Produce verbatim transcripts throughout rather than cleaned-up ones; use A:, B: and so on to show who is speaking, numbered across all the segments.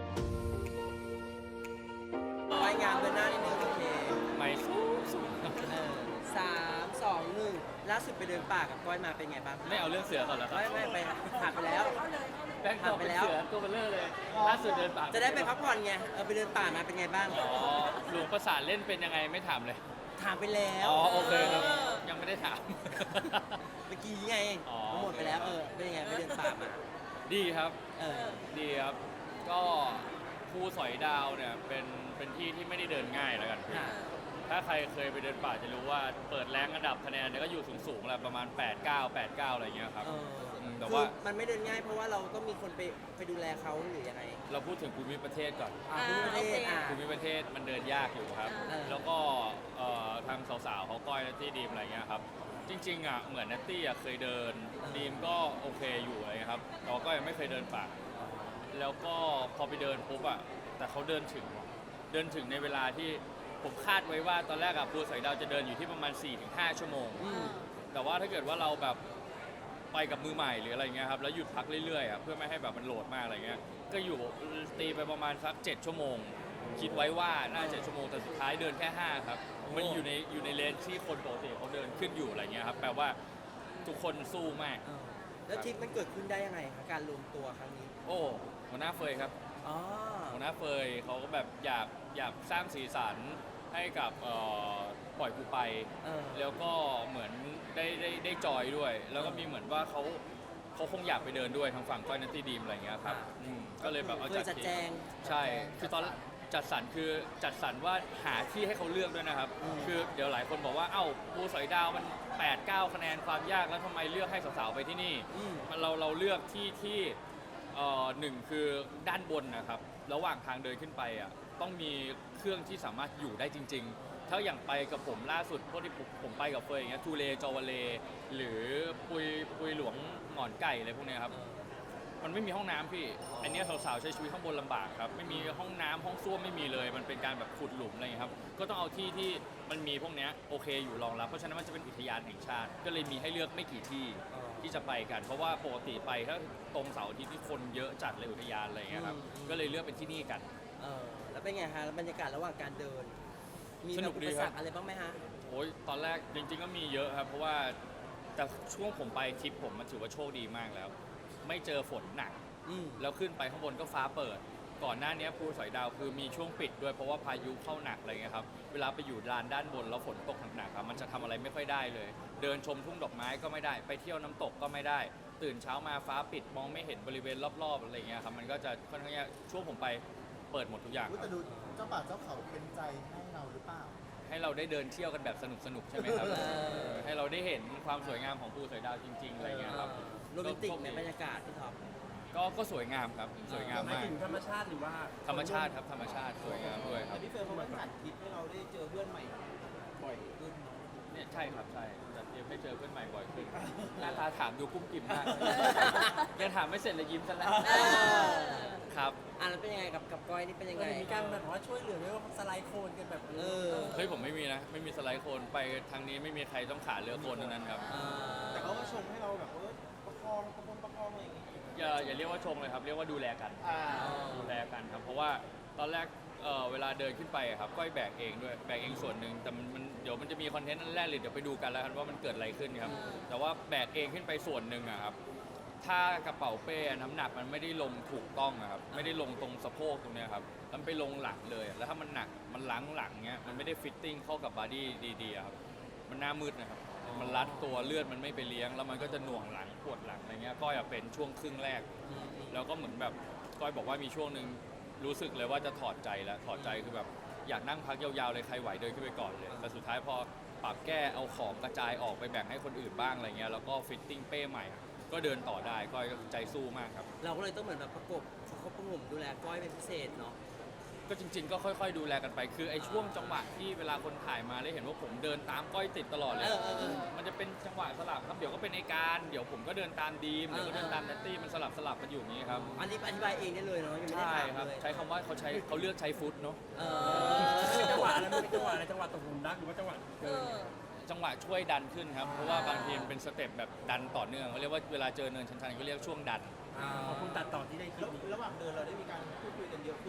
A: รายงานเดินหน้านิดนึงโอเค
B: ไม่สูงสูง
A: เออสามสองหนึ่งล่าสุดไปเดินป่ากับก้อยมาเป็นไงบ้าง
B: ไม่เอาเรื่องเสือก่อนเหรอครับ
A: ไม่ไม่ไปผ่านไปแล้ว
B: แบงค์ตัวเป็นเสือตัวเบลเลอร์เลยล่าสุดเดินป่า
A: จะได้ไปพักผ่อนไงเออไปเดินป่ามาเป็นไงบ้าง
B: อ๋อหลวงประสานเล่นเป็นยังไงไม่ถามเลย
A: ถามไปแล้ว
B: อ๋อโอเคครับยังไม่ได้ถาม
A: เมื่อกี้ไง
B: อ๋อ
A: หมดไปแล้วเออเป็นยังไงไปเดินป่ามา
B: ดีครับ
A: เออ
B: ดีครับ ก็ภูสอยดาวเนี่ยเป็นเป็นที่ที่ไม่ได้เดินง่ายแล้วกัน
A: ค่ะ
B: ถ้าใครเคยไปเดินป่าจะรู้ว่าเปิดแรงอันดับคะแนนเนี่ยก็อยู่สูงๆแหละประมาณแปด เก้า แปด เก้าอะไรเงี้ยครับ
A: เออ
B: อืมแต่
A: คือ
B: ว่า
A: มันไม่เดินง่ายเพราะว่าเราต้องมีคนไปไปดูแลเขาหรือยังไง
B: เราพูดถึงภูมิประเทศก่อน
A: อ่าภูมิประเทศอ่า
B: ภูมิประเทศมันเดินยากอยู่ครับ
A: เออ
B: แล้วก็เอ่อทางสาวๆเขาก้อยนัตตี้ดีมอะไรเงี้ยครับ จริงๆอ่ะเหมือนนัตตี้อ่ะเคยเดินดีมก็โอเคอยู่อะไรเงี้ยครับแต่ว่าก็ยังไม่เคยเดินป่า แล้วก็พอไปเดินปุ๊บอ่ะแต่เขาเดินถึงเดินถึงในเวลาที่ผมคาดไว้ว่าตอนแรกอะภูสอยดาวจะเดินอยู่ที่ประมาณ สี่ถึงห้า ชั่วโมง
A: อืม
B: แต่ว่าถ้าเกิดว่าเราแบบไปกับมือใหม่หรืออะไรเงี้ยครับแล้วหยุดพักเรื่อยๆอ่ะเพื่อไม่ให้แบบมันโหลดมากอะไรเงี้ยก็อยู่ตีไปประมาณสักเจ็ดชั่วโมง คิดไว้ว่าน่าจะชั่วโมงแต่สุดท้ายเดินแค่ห้าครับมันอยู่ในอยู่ในเลนที่คนปกติเขาเดินขึ้นอยู่อะไรเงี้ยครับแปลว่าทุกคนสู้มาก
A: เออแล้วทริปมันเกิดขึ้นได้ยังไงคะการรวมตัวครั้งนี้
B: โอ้หัวหน้าเฟยครับ
A: อ๋อ
B: หัวหน้าเฟยเขาก็แบบอยากอยากสร้างสีสันให้กับเอ่อปล่อยกูไป
A: เออ
B: แล้วก็เหมือนได้ได้ได้จอยด้วย แล้วก็มีเหมือนว่าเขาเขาคงอยากไปเดินด้วยทางฝั่งก้อยนัตตี้ดีมอะไรเงี้ยครับ
A: อ่า
B: อืมก็เลยแบบเอา
A: เค
B: จั
A: ย
B: ด
A: จัด
B: ที่
A: แจง
B: ใช่ คือตอนจัดสรรคือจัดสรรว่าหาที่ให้เขาเลือกด้วยนะครับ
A: อืม
B: คือเดี๋ยวหลายคนบอกว่าเอ้าภูสอยดาวมันแปด เก้าคะแนนความยากแล้วทำไมเลือกให้สาวๆไปที่นี่
A: อืม
B: มันเราเราเลือกที่ที่เอ่อหนึ่งคือด้านบนนะครับระหว่างทางเดินขึ้นไปอ่ะต้องมีเครื่องที่สามารถอยู่ได้จริง ๆ ถ้าอย่างไปกับผมล่าสุดพวกที่ผมผมไปกับเฟยอย่างเงี้ยทูเลจอวาเล หรือปุยปุยหลวงหงอนไก่อะไรพวกเนี้ยครับ มันไม่มีห้องน้ำพี่ อันเนี้ยสาวๆใช้ชีวิตข้างบนลำบากครับ ไม่มีห้องน้ำห้องส้วมไม่มีเลย มันเป็นการแบบขุดหลุมอะไรอย่างเงี้ยครับ ก็ต้องเอาที่ที่มันมีพวกเนี้ยโอเคอยู่รองรับ เพราะฉะนั้นมันจะเป็นอุทยานแห่งชาติ ก็เลยมีให้เลือกไม่กี่ที่
A: อ๋อ
B: ที่จะไปกัน เพราะว่าปกติไปถ้าตรงเสาร์อาทิตย์ที่คนเยอะจัดเลยอุทยานอะไรอย่างเงี้ยครับ
A: อืม
B: ก็เลยเลือกเป็นที่นี่กัน
A: เออแล้วเป็นไงฮะแล้วบรรยากาศระหว่างการเดิน มี
B: ส
A: แบ
B: นุ
A: บ
B: ก
A: อุ
B: ดี
A: ป
B: ค
A: ส
B: รั
A: ร
B: บ
A: รคอะไรบ้างไหมฮะ
B: โอ้ยตอนแรกจริงๆก็มีเยอะครับ เพราะว่าแต่ช่วงผมไปทริปผมมันถือว่าโชคดีมากแล้ว ไม่เจอฝนหนัก
A: อืม
B: แล้วขึ้นไปข้างบนก็ฟ้าเปิด ก่อนหน้านี้ภูสอยดาวคือมีช่วงปิดด้วยเพราะว่าพายุเข้าหนักอะไรเงี้ยครับ เวลาไปอยู่ลานด้านบนแล้วฝนตกหนักๆครับมันจะทำอะไรไม่ค่อยได้เลย เดินชมทุ่งดอกไม้ก็ไม่ได้ ไปเที่ยวน้ำตกก็ไม่ได้ ตื่นเช้ามาฟ้าปิดมองไม่เห็นบริเวณรอบๆอะไรเงี้ยครับ มันก็จะค่อนข้างยากช่วงผมไปเปิดหมดทุกอย่าง
C: อุ๊ยแต่ดูเจ้าป่าเจ้าเขาเป็นใจให้เราหรือเปล่า
B: ให้เราได้เดินเที่ยวกันแบบสนุกๆใช่ไหมครับ
A: เออ
B: ให้เราได้เห็นความสวยงามของภูสอยดาวจริงๆอะไรเงี้ยครับ
A: โรแมนติกในบรรยากาศพี่ท็อป
B: ก็ก็สวยงามครับ สวยงาม
D: หมาย
B: มาก
D: ถึงธรรมชาติหรือว่า
B: ธรรมชาติครับธรรมชาติสวยงามด้วยครับ
E: แต่พี่เฟิร์นเขาก็จัดทริปให้เราได้เจอเพื่อนใหม่บ่อยขึ้นเนาะ
B: เนี่ยใช่ครับใช่จะเตรียมให้เจอเพื่อนใหม่บ่อยขึ้น หน้าตาถามดูกุ้มกิ่มมาก ยังถามไม่เสร็จเลยยิ้มซะแล้ว
A: เออ
B: ครับ
A: อ่ะแล้วเป็นยังไงกับกับก้อยนี่เป็นยังไง
D: มีการแบบว่าช่วยเหลือไม่ว่าสไลด์โคลนกันแบบ
A: เออ
B: เฮ้ยผมไม่มีนะ ไม่มีสไลด์โคนไปทางนี้ไม่มีใครต้องขาเรือโคนทั้งนั้นครับ
A: อ่า
E: แต่เขาก็ชมให้เราแบบเออประคองประคองประคองอะไรอย่างงี้
B: อย่าอย่าเรียกว่าชงเลยครับ เรียกว่าดูแลกัน
E: อ่า
B: ดูแลกันครับ เพราะว่าตอนแรกเอ่อเวลาเดินขึ้นไปอะครับก้อยแบกเองด้วยแบกเองส่วนหนึ่งแต่มันมันเดี๋ยวมันจะมีคอนเทนต์อันแรกเลยเดี๋ยวไปดูกันแล้วกันว่ามันเกิดอะไรขึ้นครับ แต่ว่าแบกเองขึ้นไปส่วนหนึ่งอะครับ ถ้ากระเป๋าเป้น้ำหนักมันไม่ได้ลงถูกต้องอะครับไม่ได้ลงตรงสะโพกตรงเนี้ยครับมันไปลงหลังเลยอะแล้วถ้ามันหนักมันล้างหลังเงี้ยมันไม่ได้ฟิตติ้งเข้ากับบอดี้ดีๆอะครับมันหน้ามืดนะครับมันรัดตัวเลือดมันไม่ไปเลี้ยง แล้วมันก็จะหน่วงหลังปวดหลังอะไรเงี้ยก้อยอะเป็นช่วงครึ่งแรก แล้วก็เหมือนแบบก้อยบอกว่ามีช่วงหนึ่งรู้สึกเลยว่าจะถอดใจแล้วถอดใจคือแบบอยากนั่งพักยาวๆเลยใครไหวเดินขึ้นไปก่อนเลยแต่สุดท้ายพอปรับแก้เอาของกระจายออกไปแบ่งให้คนอื่นบ้างอะไรเงี้ยแล้วก็ฟิตติ้งเป้ใหม่ ก็เดินต่อได้ก้อยก็ใจสู้มากครับ
A: เราก็เลยต้องเหมือนแบบประกบประคบประหงมดูแลก้อยเป็นพิเศษเนาะ
B: ก็จริงๆก็ค่อยๆดูแลกันไป คือไอ้ช่วงจังหวะที่เวลาคนถ่ายมาได้เห็นว่าผมเดินตามก้อยติดตลอดเลย
A: เออเออเออ
B: มันจะเป็นจังหวะสลับครับเดี๋ยวก็เป็นไอการ เดี๋ยวผมก็เดินตามดีมเดี๋ยวก็เดินตามนัตตี้มันสลับสลับกันอยู่อย่างนี้ครับ
A: อันนี้อธิบายเองได้เลยเนาะยังไม่ได้
B: ใช่
A: ถาม
B: ครับ
A: เลย
B: ใช้คำว่าเขาใช้เขาเลือกใช้ฟุตเนาะ
A: เอ
D: เป็นจังหวะ
A: อ
D: อะไรมันเป็นจังหวะอะไรจังหวะตกหลุมรักหรือว่าจังหวะเกิน
B: จังหวะช่วยดันขึ้นครับ เพราะว่าบางทีมันเป็นสเต็ปแบบดันต่อเนื่องเขาเรียกว่าเวลาเจอเนินชันๆเขาเรียกช่วงดัน
D: ขอบคุณตัดต่อที่ได้คลิ
E: แล้
D: ป
E: ว
D: นี้
E: ระหว่างเดินเราได้มีการพูดคุยกันเยอะขึ้น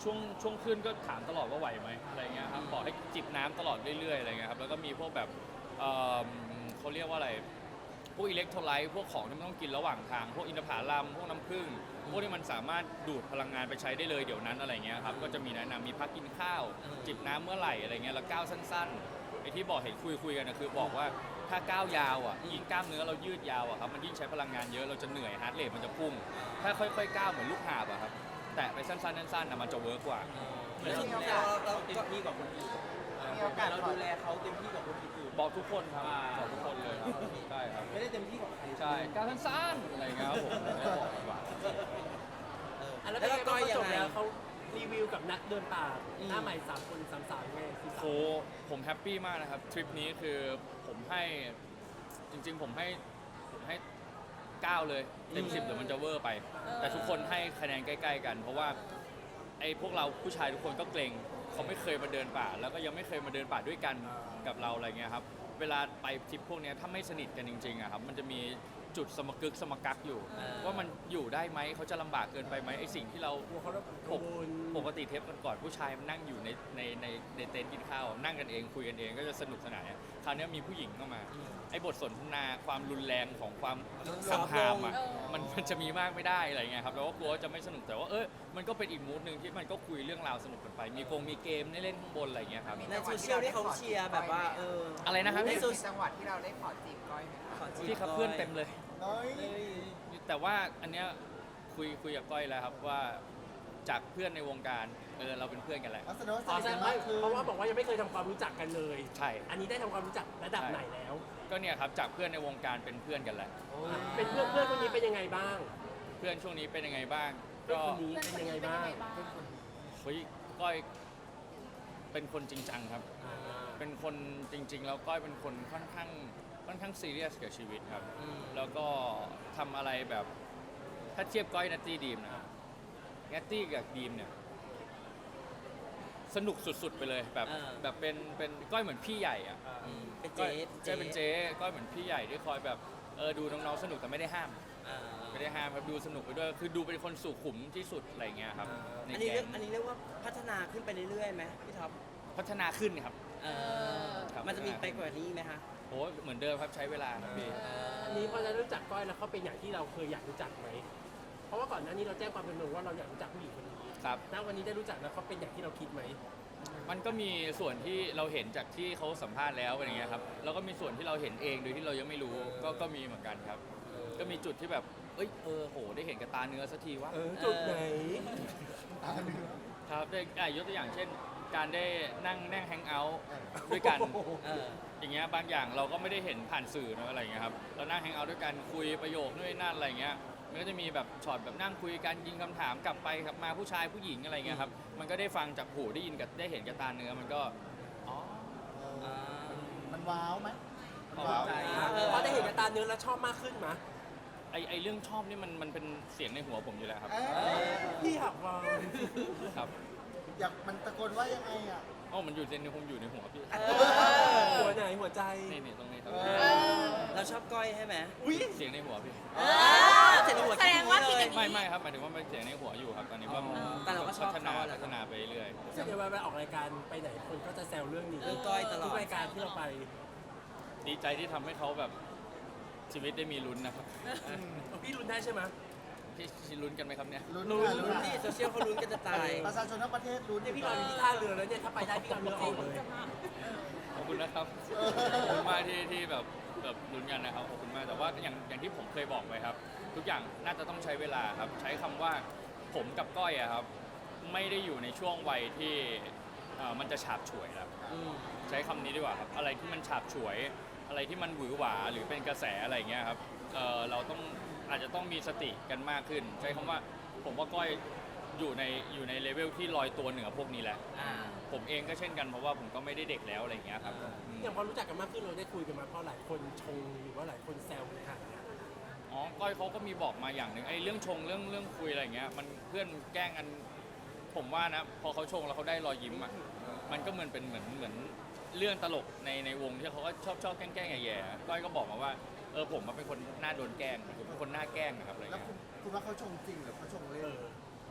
B: ช่วงช่วงขึ้นก็ถามตลอดว่าไหวไหมอะไรเงี้ยครับบอกให้จิบน้ำตลอดเรื่อยๆอะไรเงี้ยครับแล้วก็มีพวกแบบเอ่อเขาเรียกว่าอะไรพวกอิเล็กโทรไลต์พวกของที่มันต้องกินระหว่างทางพวกอินทผลัมพวกน้ำผึ้งพวกที่มันสามารถดูดพลังงานไปใช้ได้เลยเดี๋ยวนั้นอะไรเงี้ยครับก็จะมีแนะนำมีพักกินข้าว จิบน้ำเมื่อไหร่อะไรเงี้ยแล้วก้าวสั้นๆไอ้ที่บอกเห็นคุยคุยกันนะคือบอกว่าถ้าก้าวยาวอ่ะยิ่งกล้ามเนื้อเรายืดยาวอ่ะครับมันยิ่งใช้พลังงานเยอะเราจะเหนื่อยฮาร์ดเรทมันจะพุ่งถ้าค่อยๆก้าวเหมือนลูกหาบอะครับแต่ไปสั้นๆสั้นๆนะมันจะเวิร์กกว่า
A: แล้วเราเรา
E: เต็ม
A: ก็
E: ที่กว่าคนอื่น
C: มีโอกาส
E: เราดูแลเขาเต็มที่กว่าคนอื่น
B: บอกทุกคนครับบอกทุกคนเลยครับใช่ครับ
E: ไม่ได้เต็มที่กว่าใคร
B: ใช่ก้าวสั้นๆอะไรเงี้ยครับผมไม่บอกดีกว่า
D: อ่ะแล้ว
A: แล้
D: เป็น
A: ว
D: ไง
A: ก็
D: บ้าง
A: ก้อยยังไง
D: เขาจบแล้วเขารีวิวกับนักเดินป่าหน้าใหม่สามคนสามสาวไงสี่สา
B: โห
D: ว
B: ผมแฮปปี้มากนะครับทริปนี้คือผมให้จริงๆผมให้ผมให้เก้าเลยเต็มสิบเดี๋ยวมันจะเวอร์ไป แต่ทุกคนให้คะแนนใกล้ๆกัน เพราะว่าไอ้พวกเราผู้ชายทุกคนก็เกรงเขาไม่เคยมาเดินป่า แล้วก็ยังไม่เคยมาเดินป่าด้วยกันกับเราอะไรเงี้ยครับเวลาไปทริปพวกเนี้ยถ้าไม่สนิทกันจริงๆอะครับมันจะมีจุดสมกึกสมกักอยู่ ว่ามันอยู่ได้ไหมเขาจะลำบากเกินไปไหมไอ้สิ่งที่เรา
D: กลัวเขาจะ
B: ป
D: กั
B: ก
D: งวล
B: ปกติเทปก่อนๆผู้ชายมันนั่งอยู่ในในในในเต็นท์กินข้าว นั่งกันเองคุยกันเองก็จะสนุกสนานเนี่ยคราวนี้มีผู้หญิงเข้ามา ไอ้บทสนทนาความรุนแรงของความสัมหามอ่ะมันมันจะมีมากไม่ได้อะไรเงี้ยครับแล้วก็กลัวว่าจะไม่สนุกแต่ว่าเออมันก็เป็นอีกมูดหนึ่งที่มันก็คุยเรื่องราวสนุกกันไป มีกงมีเกมให้เล่นข้างบนอะไรเงี้ยครับ
A: ในโซเชียลที่เขาเชียร์แบบว่าเออ
B: อะไรนะครับ
A: ใน
B: พี่
A: โซ
F: มีจังหวัดที่เราได้ขอจีบก้อยไหมคะ
A: ขอจี
B: พี่ครับเพื่อนเต็มเลย
C: น้อย
B: แต่ว่าอันเนี้ยคุยคุยกับก้อยแล้วครับว่าจากเพื่อนในวงการเออเราเป็นเพื่อนกันแหละ
C: ลักษณะว่าส
D: อ๋อ
C: นิท
D: แสด
C: กัน
D: งว่าม
C: ากขึ้น
D: เพราะว่าบอกว่ายังไม่เคยทำความรู้จักกันเลย
B: ใช่
D: อันนี้ได้ทำความรู้จักระดับไหนแล้ว
B: ก็เนี่ยครับจากเพื่อนในวงการเป็นเพื่อนกันแหละ
D: เป็นเพื่อนเพื่อนคนนี้เป็นยังไงบ้าง
B: เพื่อนช่วงนี้เป็นยังไงบ้าง
D: เพื่อน
B: ก็
D: คนนี้เป็นยังไงบ้าง
B: เฮ้ยก้อยเป็นคนจริงจังครับ
D: อ่า
B: เป็นคนจริง ๆ แล้วก้อยเป็นคนค่อนข้างค่อนข้างซีเรียสกับชีวิตครับ
A: อืม
B: แล้วก็ทำอะไรแบบถ้าเทียบก้อยนัตตี้ดีมนะครับนัตตี้กับดีมเนี่ยสนุกสุดๆไปเลยแบบ
A: เออ
B: แบบเป็นเป็นก้อยเหมือนพี่ใหญ่อะ
A: อืมเป็น
B: ก้
A: เจ๊
B: อยเจ๊เป็นเจ๊ก้อยเหมือนพี่ใหญ่ที่คอยแบบเออดูน้องๆสนุกแต่ไม่ได้ห้าม
A: อ่า
B: ไม่ได้ห้ามครับดูสนุกไปด้วยคือดูเป็นคนสุขุมที่สุดอะไรเงี้ยครับใน
A: อันนี้
B: แก๊
A: เรียก
B: ง
A: อันนี้เรียกว่าพัฒนาขึ้นไปเรื่อยๆไหมพี่ท็อป
B: พัฒนาขึ้นครับ
A: เออ
B: ครับ
A: มันจะมีไปกว่านี้ไหมคะ
B: โอ้เหมือนเดิมครับใช้เวลาครับพี่
D: อันนี้พอจะรู้จักก้อยแล้วเขาเป็นอย่างที่เราเคยอยากรู้จักไหม เพราะว่าก่อนหน้านี้เราแจ้งความเป็นหนึ่งว่าเราอยากรู้จักผู้หญิงคนนี้
B: ครับ
D: ณวันนี้ได้รู้จักแล้วเขาเป็นอย่างที่เราคิดไหม
B: มันก็มีส่วนที่เราเห็นจากที่เขาสัมภาษณ์แล้วอะไรเงี้ยครับแล้วก็มีส่วนที่เราเห็นเองโดยที่เรายังไม่รู้ก็ก็มีเหมือนกันครับ ก็มีจุดที่แบบเอ้ยเออโหได้เห็นกับตาเนื้อสักทีว่า
D: เออจุดไหน
C: ตาเนื้อ
B: ครับได้อ่ะยกตัวอย่างเช่น การได้นั่งนั่งแฮงเอาท์ด้วยกัน
A: เออ
B: อย่างเงี้ยบางอย่างเราก็ไม่ได้เห็นผ่านสื่อเนอะอะไรเงี้ยครับเรานั่งแฮงเอาท์ด้วยกันคุยประโยคนู่นนนั่นอะไรเงี้ยมันก็จะมีแบบช็อตแบบนั่งคุยกันยิงคำถามกลับไปกลับมาผู้ชายผู้หญิงอะไรเงี้ยครับมันก็ได้ฟังจากหูได้ยินกับได้เห็นกับตาเนื้อมันก็อ๋อ
C: เอ
A: อ่า
C: อมันว้าวไหมมัน
B: ว้าว
A: ใจ
D: เออพอได้เห็นกับตาเนื้อแล้วชอบมากขึ้นไหม
B: ไอไอเรื่องชอบนี่มันมันเป็นเสียงในหัวผมอยู่แล้วครับ
C: เอ้ย
D: พี่หักวาง
B: ครับ
C: อยากมันตะโกนว่ายังไงอ่ะ
B: อ๋อมันอยู่ในผมอยู่ในหัวพี่
D: หัวไหนหัวใจ
B: นี่นี่ตรงนี้ครับ
C: เออ
A: เราชอบก้อยใช่ไหม
B: เสียงในหัวพี่
A: เออเสร็จหัว
F: แสดงว่าคิด
A: เล
F: อย ย่างนี้
B: ไม่ไม่ครับหมายถึงว่ามันเสียงในหัวอยู่ครับตอนนี้ว่า
A: อ๋อแต่เราก็ชอบ
B: พัฒนา
A: เขาอะแหละ
B: พัฒนาไปเรื่อย
D: ซึ่งเดี๋ยวเวลาออกรายการไปไหนคนก็จะแซวเรื่องนี้
A: เรื่องก้อยตลอด
D: ทุกรายการที่เราไป
B: ดีใจที่ทำให้เขาแบบชีวิตได้มีลุ้นนะครับ
D: พี่รุนได้ใช่ไหม
B: ที่ลุ้นกันไหมครับเนี่ย
C: ลุ้น
A: ลุ้
C: ค่ะ
A: น
C: ลุ้น
A: ที่โซเชียลเขาลุ้นกันจะตาย
C: ประชาชนทั้งประเทศลุ้น
D: เนี่ยพี่รออยู่ที่ท่าเรือแล้วเนี่ยถ้าไปได้พี่เอาเรือออกเลย
B: ขอบคุณนะครับ ขอบคุณมากที่ที่แบบแบบลุ้นกันนะครับ ขอบคุณมาก แต่ว่าอย่างอย่างที่ผมเคยบอกไปครับ ทุกอย่างน่าจะต้องใช้เวลาครับ ใช้คำว่าผมกับก้อยอะครับ ไม่ได้อยู่ในช่วงวัยที่เอ่อมันจะฉาบฉวยแล้ว
A: อืม
B: ใช้คำนี้ดีกว่าครับ อะไรที่มันฉาบฉวย อะไรที่มันหวือหวาหรือเป็นกระแสอะไรอย่างเงี้ยครับเอ่อเราต้องอาจจะต้องมีสติกันมากขึ้น ใช้คำว่าผมว่าก้อยอยู่ในอยู่ในเลเวลที่ลอยตัวเหนือพวกนี้แหละ
A: อ่า
B: ผมเองก็เช่นกันเพราะว่าผมก็ไม่ได้เด็กแล้วอะไรอย่างเงี้ยครับ
A: อ่า
B: อืม
D: อย่างพอรู้จักกันมากขึ้นเราได้คุยกันมาเพราะหลายคนชงหรือว่าหลายคนแซวกันค่ะ
B: อ๋อ ก้อยเขาก็มีบอกมาอย่างหนึ่งไอ้เรื่องชงเรื่องเรื่องคุยอะไรอย่างเงี้ย มันเพื่อนแกล้งกัน ผมว่านะ พอเขาชงแล้วเขาได้รอยยิ้มอ่ะ มันก็เหมือนเป็นเหมือนเหมือนเรื่องตลกในในวงที่เขาก็ชอบชอบแกล้งแกล้งแย่ๆก้อยก็บอกมาว่า เออผมมันเป็นคนหน้าโดนแกล้งผมเป็นคนหน้าแกล้งนะครับอะไร
C: แล้ว
B: เงี้ย
C: คุณคุณว่าเขาชงจริงหรือเขาชงเล่น
D: เออ
B: โอ้โห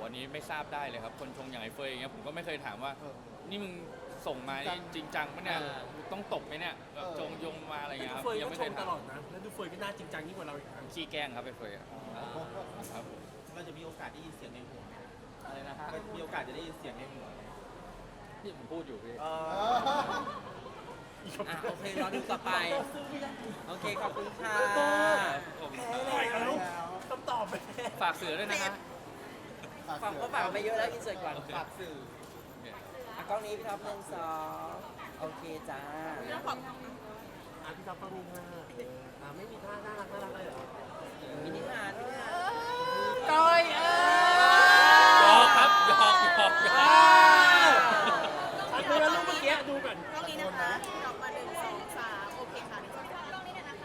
B: อันนี้ไม่ทราบได้เลยครับ คนชงอย่างไอ้เฟยอย่างเงี้ยผมก็ไม่เคยถามว่า
C: เออ
B: นี่มึงส่งมานี่จริงจังปะเนี่ยต้องตบไหมเนี่ยแบบ
C: เออ
B: จงยงมาอะไร
D: ดู
B: เงี้ยครับ
D: เฟย
B: ยั
D: ก็
B: ไม่
D: ช
B: เคย
D: งต
B: ถาม
D: ลอดนะ แล้วดูเฟยก็น่าจริงจังยิ่งกว่าเราอีกนะ
B: ขี้แกล้งครับไอ้เฟยอะครับ
E: เราจะมีโอกาสได้ยินเสียงในหัวไหม
B: อะไรนะฮะ
E: มีโอกาสจะได้ยินเสียงในหัวไหม
B: ที่ผมพูดอยู่พี่
E: เอ
C: เอ
E: อ
C: อ
A: อ่ะโอเครอดูต่อไป โอเค ขอบคุณค่ะ
B: ผม
D: แพ้แล้วคำตอบไป
B: ฝากเสือด้วยนะฮะ
A: ฟังก็ฝากไปเยอะแล้วอินเสิร์ตก่อน
B: โอเค
A: ฝากสื่ออ่ะกล้องนี้พี่ท็อปหนึ่งสองโอเคจ้า
D: อ่ะพี่ท็อปต้องมีท่าอ่ะไม่มีท่าน่ารักน่ารักเลยเหรอ
A: มินิฮาร์ดมินิฮาร์ด
D: ก้อยเอ
B: หยอกครับหยอกหยอกหยอก
D: อดูแล้วลูกเมื่อกี้ดูก่อน
G: กล้องนี้นะคะออกมาหนึ่งสองสามโอเคค่ะหนึ่งสองสามกล้องนี้นะคะ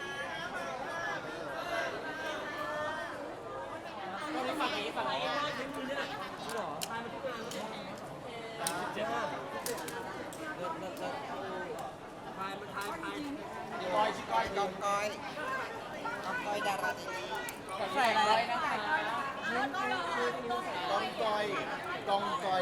D: ฝั่งนี้ฝั่งนี้คือเนี่ยหรอพายมาทุกงานเจ็ดห้า
A: เลิศเลิศเลิศ
D: พายมาทายพาย
C: ก้อยชิก้อย
A: กองก้อยกองก้อยดาราดีๆใส่อะไรนะคะ
C: กองก้อยกองก้อย